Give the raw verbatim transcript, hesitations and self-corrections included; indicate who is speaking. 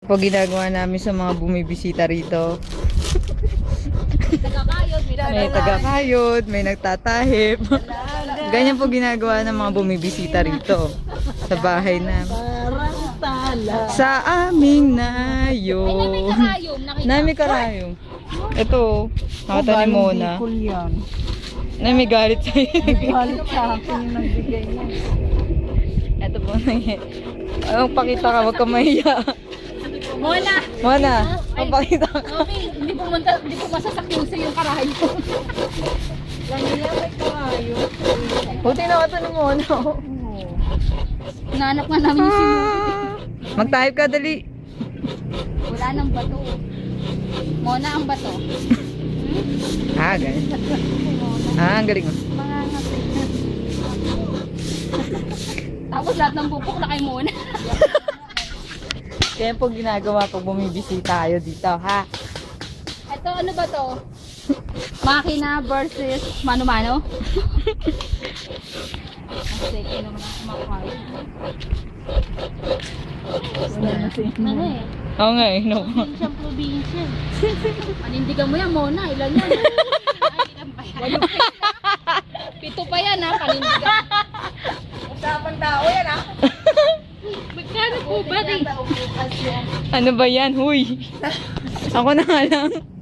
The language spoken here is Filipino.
Speaker 1: po ginagawa namin sa mga bumibisita rito.
Speaker 2: Tagakayod,
Speaker 1: May taga-kayod, may nagtatahip. Ganyan po ginagawa ng mga bumibisita rito sa bahay na.
Speaker 3: Parang tala.
Speaker 1: Sa aming
Speaker 2: Ay,
Speaker 1: nayo.
Speaker 2: na may karayom. Nakita.
Speaker 1: Nami karayong. Ito, nakatanim mo na.
Speaker 3: Bicol yan.
Speaker 1: Na may galit sa'yo.
Speaker 3: Galit sa akin yung nagbigay niya.
Speaker 1: Ito po nangyay. Ang pakita ka, wag ka mahiya.
Speaker 2: Mona!
Speaker 1: Mona, ang pakita ka.
Speaker 2: Okay, hindi pumunta, hindi po masasakyan sa yung karayo.
Speaker 3: Kanila may karayo.
Speaker 1: Buti na ito ni Mona.
Speaker 2: Nanap nga namin yung sinulit.
Speaker 1: Mag-type ka, dali.
Speaker 2: Wala nang bato. Mona ang bato.
Speaker 1: Ah, ganyan. Ah, ang galing mo.
Speaker 2: Mga ngapit na. Tapos lahat ng bubok na kay Mona.
Speaker 1: Kaya po ginagawa pag bumibisita kayo dito, ha?
Speaker 2: Ito ano ba to? Makina versus mano-mano? Kasi ito naman ang kumakain.
Speaker 3: Wala na siya.
Speaker 2: Ano eh?
Speaker 1: Oo nga eh, no.
Speaker 2: Siyang probinsya. Panindigan mo yan, Mona. Ilan yan? Ay, ilan pa yan? Pito pa yan, ha? Panindigan.
Speaker 3: Usapang tao yan, ha?
Speaker 2: Magkano po ba, di?
Speaker 1: Ano ba yan? Huy! Ako na nga lang.